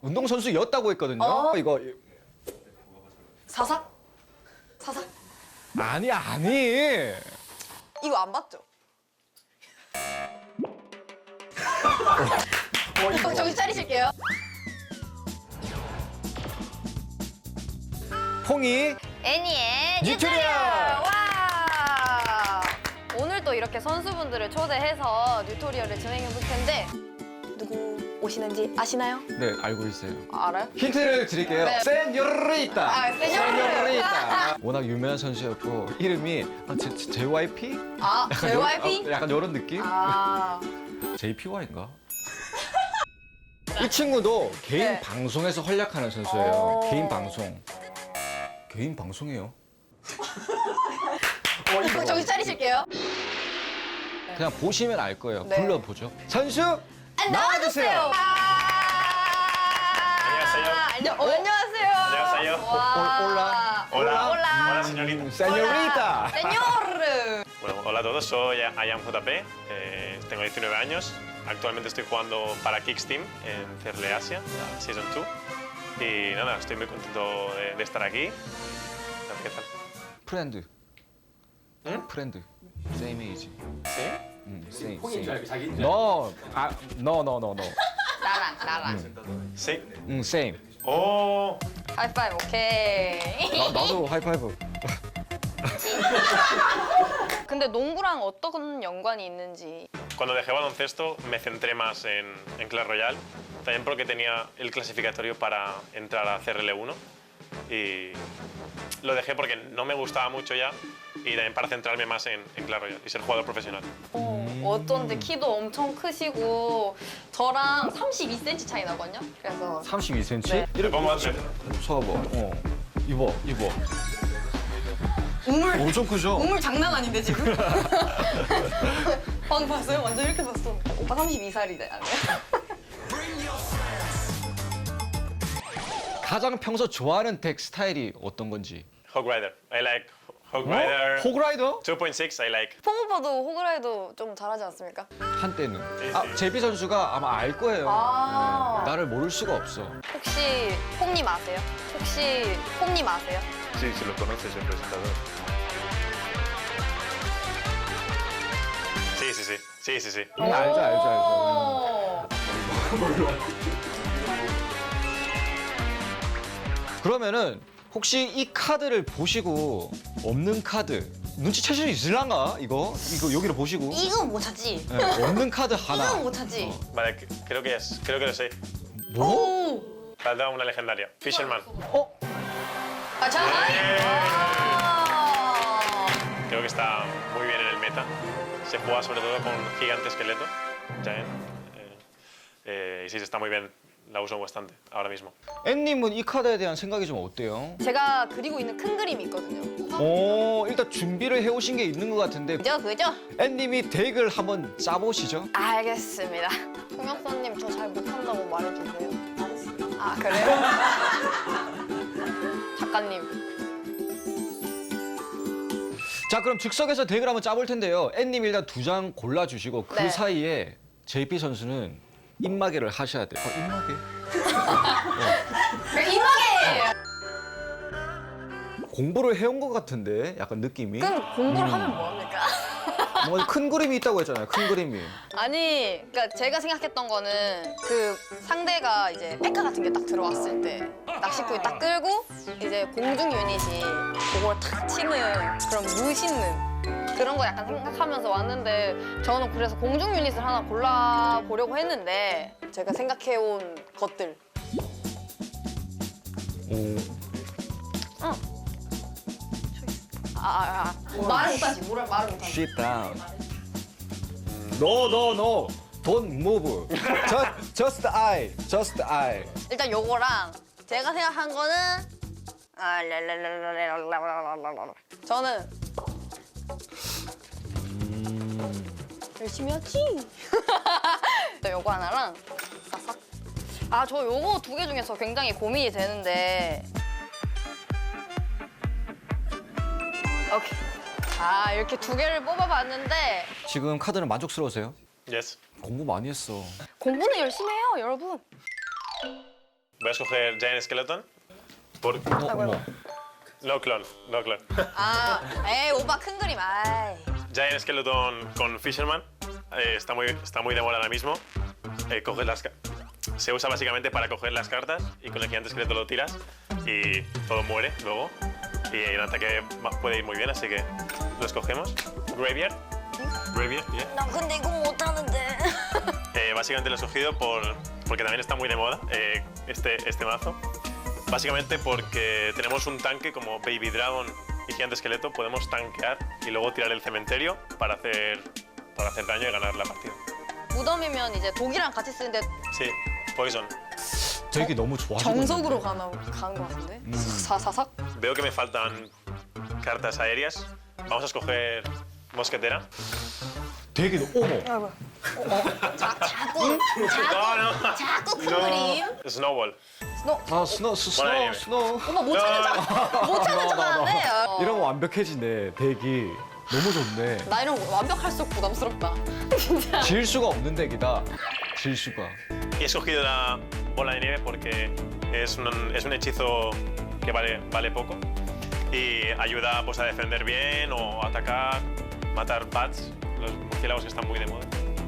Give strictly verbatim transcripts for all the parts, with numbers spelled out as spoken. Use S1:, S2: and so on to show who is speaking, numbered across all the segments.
S1: 운동선수였다고 했거든요.
S2: 어?
S1: 이거
S2: 사삭? 사삭?
S1: 아니 아니.
S2: 이거 안 봤죠?
S1: 어, 이거.
S2: 정신 차리실게요.
S1: 퐁이
S2: 애니의
S1: 뉴트리얼!
S2: 뉴트리얼! 와! 오늘 또 이렇게 선수분들을 초대해서 뉴토리얼을 진행해 볼 텐데 누구 오시는지 아시나요?
S1: 네 알고 있어요.
S2: 아, 알아요?
S1: 힌트를 드릴게요.
S2: 네.
S1: 세뇨리타.
S2: 아, 세뇨리타.
S1: 워낙 유명한 선수였고 이름이 아, 제, 제, 제이와이피?
S2: 아, 제이와이피?
S1: 어, 약간 이런 느낌?
S2: 아,
S1: 제이피와이인가? 이 친구도 개인
S2: 네.
S1: 방송에서 활약하는 선수예요.
S2: 어.
S1: 개인 방송. 개인 방송이에요.
S2: 어, 이거 정신 차리실게요.
S1: 그냥 보시면 알 거예요.
S2: 네.
S1: 불러보죠. 선수
S2: 아,
S1: 나와주세요.
S3: 안녕하세요.
S2: 안녕, 어, 안녕하세요.
S3: 안녕하세요.
S2: 와.
S1: 올- 올라.
S3: Hola.
S2: Hola.
S3: Hola, señorita.
S1: 세뇨리타.
S2: 세뇨르.
S3: Bueno, hola a todos, soy Ayam J P, eh, tengo diecinueve años, actualmente estoy jugando para Kicks Team en Cerle Asia, la Season dos, y nada, estoy muy contento de, de estar aquí. ¿Qué tal?
S1: 프렌드.
S3: 응?
S1: 프렌드. same age.
S3: ¿Sí?
S1: 응, same.
S4: 폰인 줄 알고 자기인 줄
S1: No, 아, no, no, no, no.
S2: 나랑, 나랑.
S3: Sí.
S1: 응, same.
S3: ¡Oh!
S2: 하이파이브, 오케이.
S1: 나, 나도 하이파이브.
S2: 근데 농구랑 어떤 연관이 있는지.
S3: Cuando dejé baloncesto me centré más en, en Clash Royale, también porque tenía el clasificatorio para entrar a C R L uno y lo dejé porque no me gustaba mucho ya y también para centrarme más en, en Clash Royale y ser jugador profesional.
S2: 어, 어쩐지 키도 엄청 크시고 저랑 삼십이 센티미터 차이 나거든요. 그래서
S1: 삼십이 센티미터?
S2: 네.
S3: Me pongo a hacer-
S1: 서봐. 어. 입어, 입어.
S2: 우물
S1: 엄청 크죠?
S2: 우물 장난 아닌데 지금? 방금 봤어요? 완전 이렇게 봤어. 오빠 삼십이 살이네.
S1: 가장 평소 좋아하는 덱 스타일이 어떤 건지.
S3: Hog Rider. I like Hog
S1: 어?
S3: Rider.
S1: 호그라이더?
S3: two point six I like.
S2: 퐁 오빠도 호그라이도 좀 잘하지 않습니까?
S1: 한때는. 아, 제비 선수가 아마 알 거예요.
S2: 아.
S1: 네, 나를 모를 수가 없어.
S2: 혹시 퐁님 아세요? 혹시 퐁님 아세요?
S3: Sí, si lo conoces, el presentador. Sí, sí, sí. Sí, sí, sí.
S1: 응, 알죠, 알죠, 알죠.
S2: 어.
S1: 그러면은 혹시 이 카드를 보시고 없는 카드 눈치채실 수 있을란가? 이거? 이거 여기를 보시고
S2: 이건 못 찾지.
S1: 네, 없는 카드 하나.
S2: 이건 못 찾지.
S3: Vale, c- creo que es. Creo que lo sé.
S1: 뭐?
S2: 오.
S3: Falta una legendaria. Fisherman.
S1: 어?
S2: 아, 자. 아.
S3: Creo que está muy bien en el meta. Se juega sobre todo con gigante esqueleto. Giant. Eh, eh, y sí, está muy bien. La uso bastante ahora mismo.
S1: 앤님은 이 카드에 대한 생각이 좀 어때요?
S2: 제가 그리고 있는 큰 그림이 있거든요.
S1: 오, 일단 준비를 해오신 게 있는 것 같은데
S2: 그죠, 그죠?
S1: 앤님이 덱을 한번 짜보시죠.
S2: 알겠습니다. 통역사님 저 잘 못한다고 말해주세요. 아 그래요? 작가님.
S1: 자, 그럼 즉석에서 덱을 한번 짜볼 텐데요. 앤님 일단 두 장 골라주시고 그
S2: 네.
S1: 사이에 제이피 선수는 입마개를 하셔야 돼요. 어, 입마개?
S2: 이마게.
S1: 공부를 해온 것 같은데 약간 느낌이.
S2: 그럼 공부를 하면 뭐합니까?
S1: 뭐 큰 그림이 있다고 했잖아요. 큰 그림이.
S2: 아니, 그러니까 제가 생각했던 거는 그 상대가 이제 페카 같은 게 딱 들어왔을 때 낚시꾼이 딱 끌고 이제 공중 유닛이 그걸 탁 치는 그런 무신는 그런 거 약간 생각하면서 왔는데 저는 그래서 공중 유닛을 하나 골라보려고 했는데 제가 생각해온 것들.
S1: 오.
S2: 응. 아, 아, 아. 말을 못하지. 뭐라 말을 못하지.
S1: Sit down. No, no, no. Don't move. Just, just eye. Just eye.
S2: 일단 요거랑 제가 생각한 거는 아, 랄랄랄랄랄랄랄랄랄랄. 저는 열심히 하지. 또 요거 하나랑 싹싹. 아, 저 요거 두 개 중에서 굉장히 고민이 되는데. 오케이. 자, 이렇게 두 개를 뽑아봤는데
S1: 지금 카드는 만족스러우세요?
S3: Yes.
S1: 공부 많이 했어.
S2: 공부는 열심히 해요, 여러분.
S3: Voy a escoger Giant Skeleton. Por...
S1: 어, 어머.
S3: No clone, no clone.
S2: 아, 에이 오빠 큰 그림. 아이.
S3: Giant Skeleton con Fisherman. Eh, está, muy, está muy de moda ahora mismo. Eh, coges las, ca- se usa básicamente para coger las cartas y con el gigante esqueleto lo tiras y todo muere luego. Y el ataque va- puede ir muy bien, así que lo escogemos. Graveyard. Graveyard, yeah.
S2: 나 근데 이거 못하는데.
S3: Eh, básicamente lo he escogido por, porque también está muy de moda eh, este, este mazo. Básicamente porque tenemos un tanque como Baby Dragon y Gigante Esqueleto, podemos tanquear y luego tirar el cementerio para hacer, para hacer daño y ganar la partida.
S2: 무덤이면 이제 독이랑 같이 쓰는데
S3: Sí, Poison.
S1: 되게 너무 좋아하시거든요.
S2: 정석으로 가나 가는 것 같은데. 사사삭.
S3: Veo que me faltan cartas aéreas. Vamos a escoger Mosquetera.
S1: 되게 너- 어머.
S2: 자, 자꾸 자꾸
S3: No, no.
S2: 자꾸 큰 그림.
S3: Snowball.
S2: 스노.
S1: 아 스노 스- 스노
S3: 뭐라
S1: 스노.
S2: 엄마 못 찾는 척. 못 찾는 척하는데. 어.
S1: 이런 거 완벽해지네. 덱이 너무 좋네.
S2: 나 이런 거 완벽할수록 부담스럽다. 진짜.
S1: 질 수가 없는 덱이다. 질 수가.
S3: Y he escogido la bola de nieve porque es un, es un hechizo que vale, vale poco y ayuda pues, a defender bien o atacar, matar bats, los murciélagos que están muy de moda.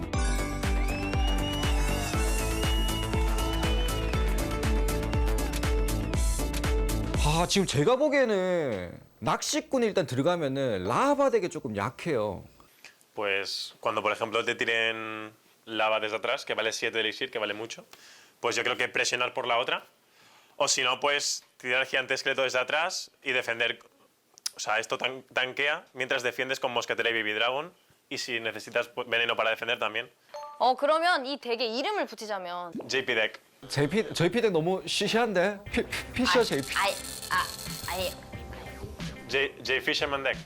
S1: 아 지금 제가 보기에는 낚시꾼이 일단 들어가면은 라바 덱이 조금 약해요.
S3: Pues cuando por ejemplo te tiren lava desde atrás, que vale siete de elixir, que vale mucho, pues yo creo que presionar por la otra. O si no, pues tirar el gigante esqueleto desde atrás y defender. O sea, esto tan- tanquea mientras defiendes con mosquetera y baby dragon. Y si necesitas pues, veneno para defender también.
S2: 어 그러면 이 덱에 이름을 붙이자면.
S3: J P deck.
S1: 제이피 저희 피덱 너무 시시한데 피, 피셔 제이피.
S2: 아이 아 아니.
S3: J, J Fisherman deck.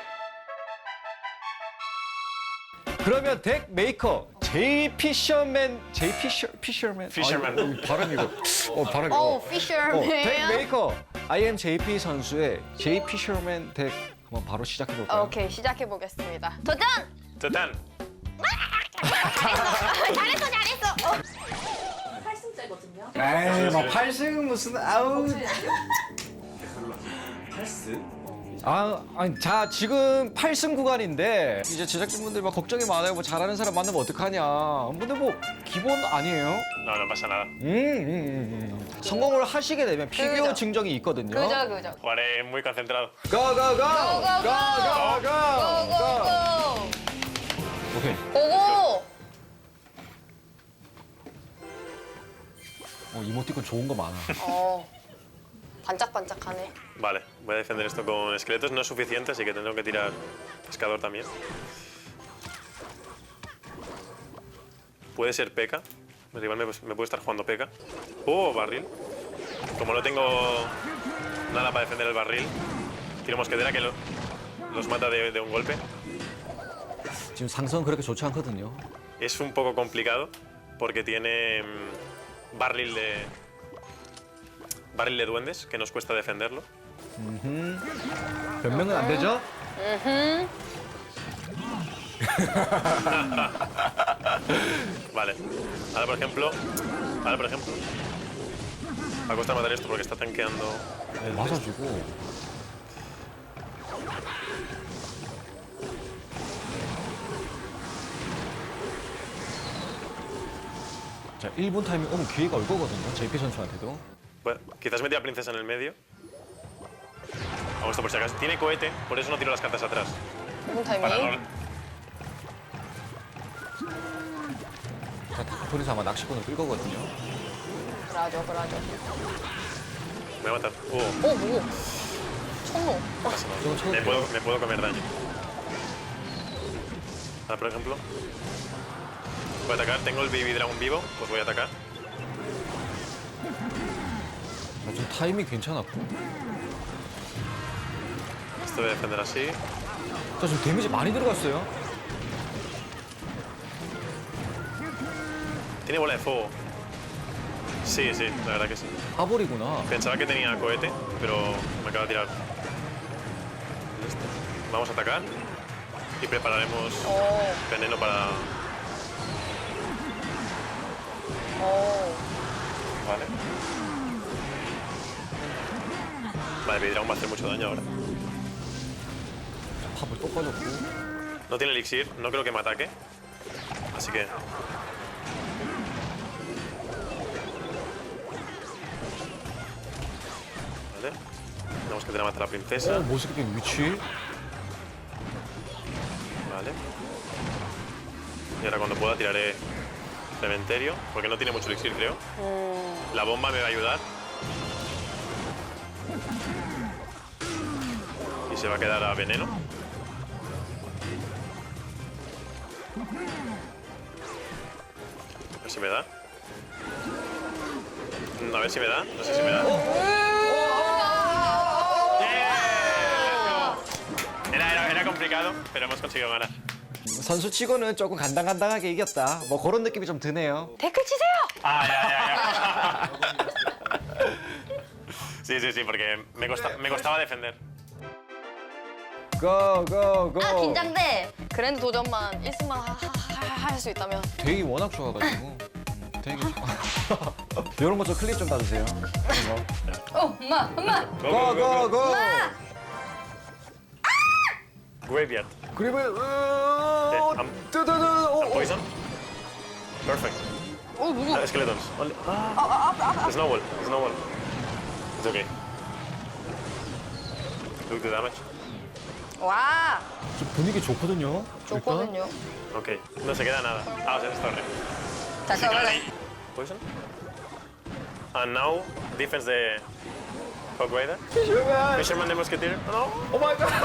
S1: 그러면 덱 메이커 제이 피셔맨 제이 피셔 피셔맨.
S3: 피셔맨.
S1: 아유, 발음 이거. 어 발음 이거.
S2: 어
S1: 어,
S2: 피셔맨.
S1: 덱 메이커 아이엠 제이피 선수의 제이 피셔맨 덱 한번 바로 시작해 볼까요?
S2: 오케이 시작해 보겠습니다. 도전!
S3: Totan.
S2: 잘했어 잘했어. 어.
S1: 에이, 막 팔 승은 무슨 아우. 아, 아니, 자 지금 팔 승 구간인데 이제 제작진분들 막 걱정이 많아요. 뭐 잘하는 사람 만나면 어떡하냐. 근데 뭐 기본 아니에요?
S3: No, no pasa nada.
S1: 음, 음, 음, 음. 성공을 하시게 되면 피규어
S2: 그죠.
S1: 증정이 있거든요.
S2: 그죠 그죠.
S3: Jugaré muy concentrado.
S1: 가가가
S2: 고고고!
S1: 가가가
S2: 고고고!
S1: 오케이.
S2: 고고!
S1: 어, 이모티콘 좋은 거 많아.
S2: 어 반짝반짝하네.
S3: Vale, voy a defender esto con esqueletos. No es suficiente, así que tendré que tirar pescador también. Puede ser P.E.K.K.A. El rival me, me puede estar jugando P E K K A. Oh, barril. Como no tengo nada para defender el barril, tiro mosquetera que lo- los mata de, de un golpe.
S1: 지금 상성 그렇게 좋지 않거든요.
S3: Es un poco complicado porque tiene mm, barril de barril de duendes que nos cuesta defenderlo.
S1: 변명은 안 되죠?
S3: Vale. Ahora por ejemplo, ahora por ejemplo, va a costar matar esto porque está tanqueando.
S1: 어, 맞아주고. 자, 일 분 타이밍 오면 기회가 올 거거든요. 제이피 선수한테도.
S3: Bueno, quizás metí a princesa en el medio. Hago esto por si acaso. Tiene cohete, por eso no tiro las cartas atrás.
S2: 무슨
S3: Para
S2: 타이밍?
S3: no...
S1: 자, 다크폰에서 아마 낚시꾼을 끌 거거든요.
S2: 그라죠 그라죠.
S3: Me va a matar. Oh,
S2: 어 뭐? 천로.
S3: no pasa nada.
S1: Yo- yo-
S3: Me puedo, me puedo comer daño. Ahora por ejemplo, voy a atacar. Tengo el baby dragon vivo, pues voy a atacar.
S1: 자, 좀 타이밍 괜찮았고.
S3: Esto voy a defender así.
S1: 자, 지금 데미지 많이 들어갔어요.
S3: Tiene bola de fuego. Sí, sí, la verdad que sí.
S1: 아볼이구나.
S3: Pensaba que tenía cohete, pero me acaba de tirar. Listo. Vamos a atacar y prepararemos
S2: 어.
S3: veneno para...
S2: 어.
S3: Vale. Vale, Baby Dragon va a hacer mucho daño ahora.
S1: 팝을 또 꺼졌고.
S3: No tiene elixir, no creo que me ataque. Así que. Vale. Tenemos que tener a matar a la
S1: 어,
S3: princesa.
S1: 모습의 위치.
S3: Vale. Y ahora cuando pueda tiraré cementerio, porque no tiene mucho elixir, creo. La bomba me va a ayudar. Y se va a quedar a veneno. A ver si me da. Mm, A ver si me da. No sé si me da. ¡Yeah! Era, era, era complicado, pero hemos conseguido ganar.
S1: 선수 치고는 조금 간당간당하게 이겼다. 뭐 그런 느낌이 좀 드네요.
S2: 댓글 치세요.
S3: Ah, ya, ya, ya. Sí, sí, sí, porque me, costa- me costaba defender.
S1: 고, 고, 고.
S2: 아 긴장돼. 그랜드 도전만 일 승만 할 수 있다면.
S1: 되게 워낙 좋아가지고. 되게 좋아. 이런 거 좀 클립 좀 따주세요.
S2: 어 엄마 엄마.
S3: Go, go, go,
S1: 고, 고,
S3: go.
S1: 고.
S3: Graveyard.
S1: 그리고
S3: 네,
S1: 어,
S3: 암-
S1: 뜨뜨뜨.
S3: And poison. Perfect.
S2: 어 누구?
S3: Uh, skeletons. Only. Ah. Snowball. Snowball. It's okay. Look the damage.
S2: 와
S1: 좀 분위기 좋거든요.
S2: 좋거든요.
S3: Ok. No se queda nada. Ah, o sea, es torre.
S2: 잠깐만.
S3: Poison. And now, defense de Hog Rider.
S1: 일단.
S3: Fisherman de Musketeer. No.
S1: 오 마이 갓.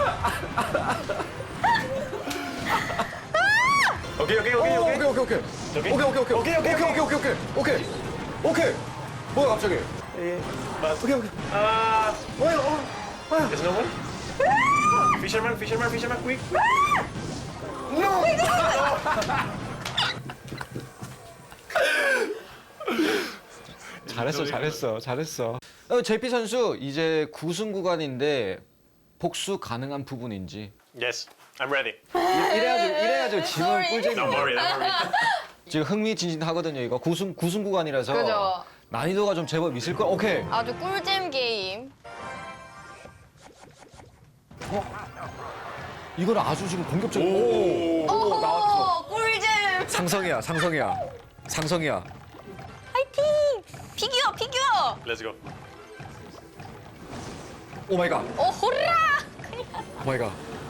S3: Ok, ok, ok,
S1: 오,
S3: ok.
S1: 오케이 오케이 오케이.
S3: 오케이?
S1: 오케이 오케이 오케이.
S3: 오케이, 오케이,
S1: 오케이 오케이 오케이 오케이. 오케이. 뭐야 갑자기?
S3: Eh, vas.
S1: 오케이 오케이.
S3: Ah.
S1: 뭐야? 어. 뭐야?
S3: Snowball. Fisherman, fisherman, fisherman, quick.
S1: 잘했어, 잘했어, 잘했어. 어, 제이피 선수 이제 구승 구간인데 복수 가능한 부분인지.
S3: Yes, I'm ready.
S1: 이- 이래야지, 이래야지 지금
S2: Sorry.
S1: 꿀잼이.
S3: Don't worry, don't worry.
S1: 지금 흥미진진하거든요. 이거 구승 구승 구간이라서
S2: 그죠.
S1: 난이도가 좀 제법 있을 거. 오케이.
S2: 아주 꿀잼 게임.
S1: 이건 아주 지금 공격적.
S3: 오.
S1: 오, 나왔어.
S2: 오 꿀잼.
S1: 상성이야, 상성이야, 상성이야.
S2: 파이팅. 피규어 피규어.
S3: Let's go.
S1: 오 마이 갓,
S2: 오 호라.
S1: 오 마이 갓.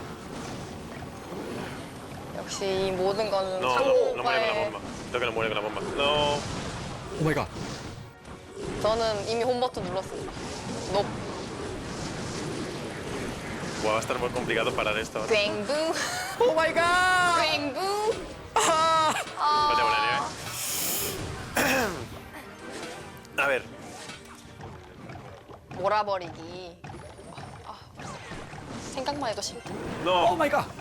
S2: 역시 이 모든 거는
S3: No,
S2: 상호
S3: no, no muere con la
S2: 오빠의.
S3: bomba. Creo que no muere con la bomba. No.
S1: 오 마이 갓.
S2: 저는 이미 홈 버튼 눌렀습니다. 높.
S3: Buah, va a estar muy complicado parar esto ahora.
S2: 괭부.
S1: 오 마이 갓.
S2: 괭부.
S1: 아.
S3: No tengo la nieve. A ver.
S2: 몰아버리기. 아, 생각만 해도 싫다.
S1: 오
S3: No.
S1: 마이 갓.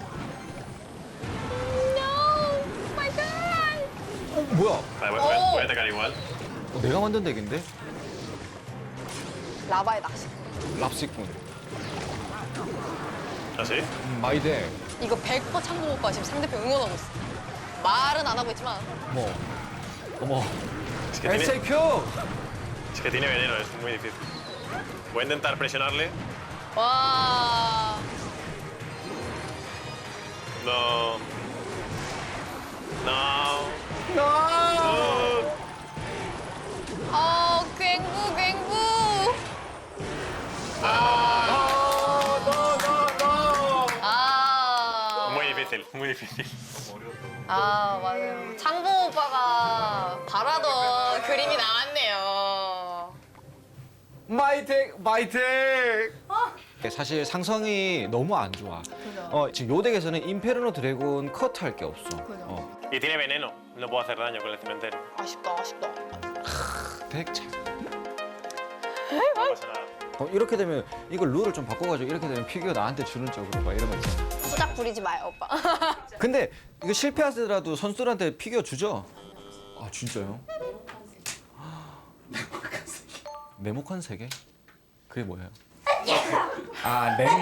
S2: No, my God.
S1: 어, 뭐야?
S3: Vale, voy, voy a- voy a atacar igual.
S1: 어, 내가 만든 덱인데?
S2: 라바의 낚시.
S1: 랍시꾼.
S3: ¿Ah, sí?
S1: 음, 마이 덱.
S2: 이거 백 퍼센트 창보 오빠 지금 상대편 응원하고 있어. 말은 안 하고 있지만.
S1: 어머. 어머.
S3: Es que, tiene,
S1: 에스에이큐.
S3: es que tiene veneno, es muy difícil. Voy a intentar presionarle.
S2: 와.
S3: No. No.
S1: 나.
S3: No.
S2: 어, 괭부, 괭부.
S1: 아, 너, 너, 너.
S2: 아.
S3: Muy difícil, muy difícil.
S2: 아, 맞아요. 창보 오빠가 바라던 그림이 나왔네요.
S1: 마이텍, 마이텍. 사실 상성이 너무 안 좋아. 어, 지금 요 덱에서는 임페르노 드래곤 컷 할 게 없어. 어,
S3: Y tiene veneno. No puedo hacer daño con el cementerio.
S2: 아쉽다, 아쉽다.
S1: 덱 참.
S3: No pasa nada.
S1: 어, 이렇게 되면 이걸 룰을 좀 바꿔가지고 이렇게 되면 피규어 나한테 주는 쪽으로 막 이런 거 있잖아.
S2: 수작 부리지 마요, 오빠.
S1: 근데 이거 실패하더라도 선수들한테 피규어 주죠? 아 진짜요? 네모칸 세계? 그게 뭐예요? 아 냉.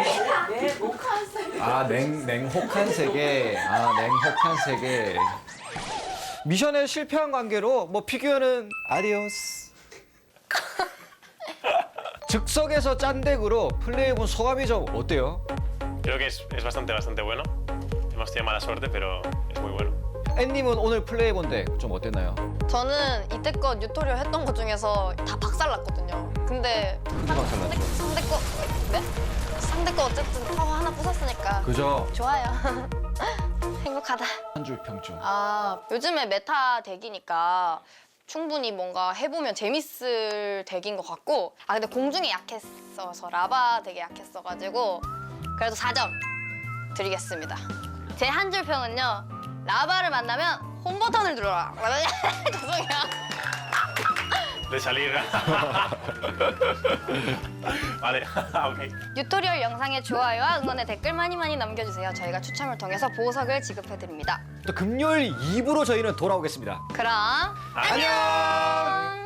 S1: 아 냉, 냉혹한 세계. 아 냉혹한 세계. 미션에 실패한 관계로 뭐 피규어는 아디오스. 즉석에서 짠 덱으로 플레이해본 소감이 좀 어때요?
S3: Creo que es, es bastante, bastante bueno. Hemos tenido mala suerte, pero es muy bueno.
S1: 앤님은 오늘 플레이해본 덱 좀 어땠나요?
S2: 저는 이때껏 뉴토리얼 했던 것 중에서 다 박살났거든요. 근데
S1: 크게 박살났죠.
S2: 상대 거 네? 상대 거 어쨌든 파워 하나 부쉈으니까
S1: 그죠?
S2: 좋아요. 행복하다.
S1: 한 줄 평점.
S2: 아 요즘에 메타 덱이니까 충분히 뭔가 해보면 재밌을 덱인 것 같고 아 근데 공중에 약했어서 라바 덱에 약했어가지고 그래도 사 점 드리겠습니다. 제 한 줄 평은요. 라바를 만나면 홈 버튼을 눌러라. 죄송해요.
S3: De salir. Vale, ok.
S2: 뉴토리얼 영상의 좋아요와 응원의 댓글 많이 많이 남겨주세요. 저희가 추첨을 통해서 보석을 지급해드립니다.
S1: 또 금요일 이 부로 저희는 돌아오겠습니다.
S2: 그럼
S3: 안녕.
S2: 안녕.